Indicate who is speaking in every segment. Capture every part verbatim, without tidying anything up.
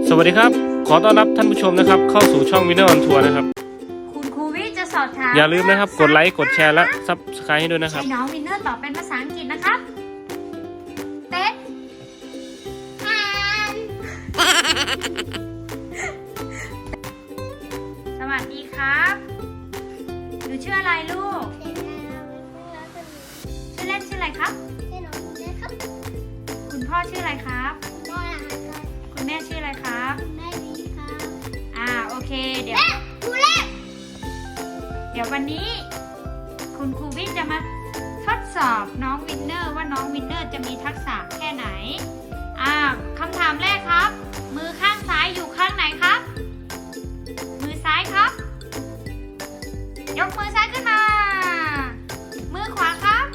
Speaker 1: สวัสดีครับขอต้อนรับท่านผู้ชมนะครับเข้าสู่ช่องวินเนอร์ออนทัวร์นะครับ
Speaker 2: คุณครูวิจะสอบถาม
Speaker 1: อย่าลืมนะครับกดไลค์กดแชร์และซับสไครต์ให้ด้วยนะครับ
Speaker 2: ให้น้องวินเนอร์ตอบเป็นภาษาอังกฤษนะครับเป็ดห่านสวัสดีครับหนูชื่ออะไรลูกชื่อเล่นชื่ออะไรครับคุณพ่อชื่ออะไรครับคุณแม่ชื่ออะไรครับอ่าโอเคเดี๋ยวเดี๋ยววันนี้คุณครูวิทย์จะมาทดสอบน้องวินเนอร์ว่าน้องวินเนอร์จะมีทักษะแค่ไหนอ่าคำถามแรกครับมือข้างซ้ายอยู่ข้างไหนครับมือซ้ายครับยกมือซ้ายขึ้นมามือขวาครับ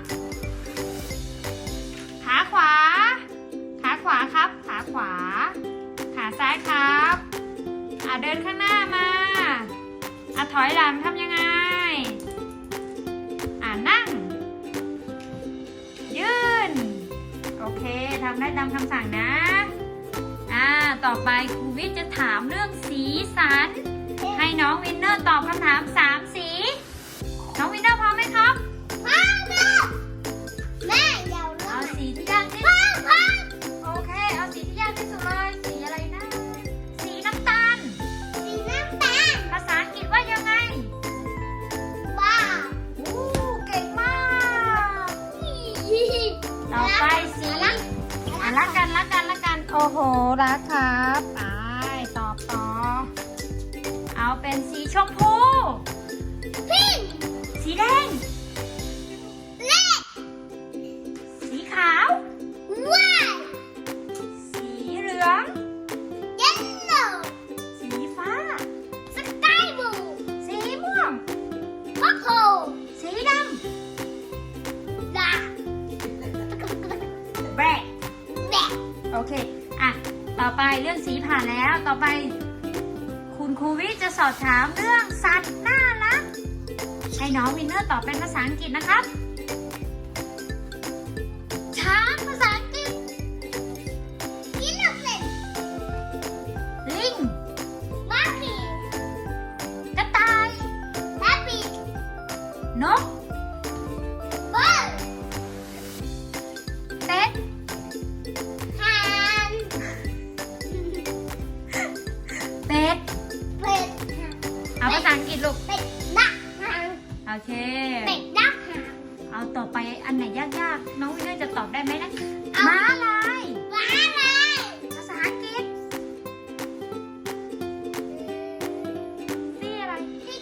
Speaker 2: ขาขวาขาขวาครับขาขวาขาซ้ายครับอ่าเดินข้างหน้ามาอ่ะถอยหลังทำยังไงอ่านั่งยืนโอเคทำได้ตามคำสั่งนะอ่าต่อไปครูวิทย์จะถามเรื่องสีสันให้น้องวินเนอร์ตอบคำถามสามสีน้องวินเนอร์พร้อมไหมครับพร้อมครับแม่เดี๋ยวเอาสีที่ยากที่สุดโอเคเอาสีที่ยากที่สุดเลยสีอะไรนะสีน้ำตาลสีน้ำตาลภาษาอังกฤษว่ายังไงบ้าโอ้เก่งมากต่อไปสีอ่ะรักกันรักกันรักกันโอ้โหรักครับไปตอบต่อเอาเป็นสีชมพูสีแดงสีขาวสีเหลืองสีฟ้าสีม่วงสีดำแบล็คโอเคอ่ะต่อไปเรื่องสีผ่านแล้วต่อไปคุณครูวิจะสอบถามเรื่องสัตว์น่ารักให้น้องวินเนอร์ตอบเป็นภาษาอังกฤษนะครับช้างภาษาอังกฤษลิงกระต่ายนกเป็ดเป็ดเอาภาษาอังกฤษลูกโอเคเอาต่อไปอันไหนยากๆน้องวินเนอร์จะตอบได้ไหมนะม้าลายภาษาอังกฤษนี่อะไร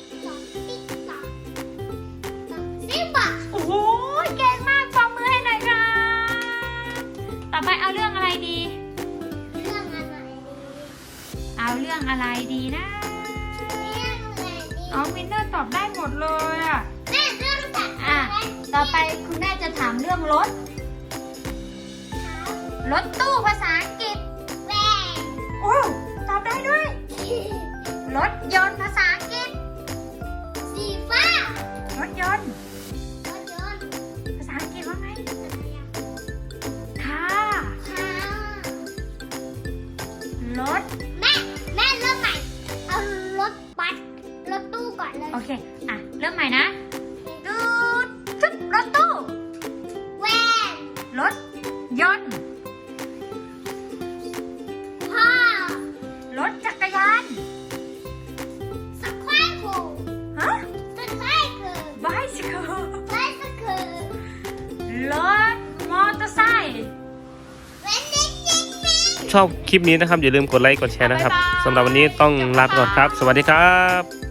Speaker 2: โอ้โหเก่งมากปรบมือให้หน่อยค่ะต่อไปเอาเรื่องอะไรดีเอาเรื่องอะไรดีนะน้องวินเนอร์ตอบได้หมดเลยอ่ะอ่ะต่อไปคุณแม่จะถามเรื่องรถรถตู้ภาษาอังกฤษโอ้ตอบได้ด้วยรถยนต์ภาษาอังกฤษรถยนต์ภาษาอังกฤษว่าไงค่ะรถโอเคอ่ะเริ่มใหม่นะดูชุดรถตู้รถยนต์รถจักรยานฮะ bicycle รถมอเตอร์ไซค์
Speaker 1: ชอบคลิปนี้นะครับอย่าลืมกดไลค์กดแชร์นะครับสำหรับวันนี้ต้องลาไปก่อนครับสวัสดีครับ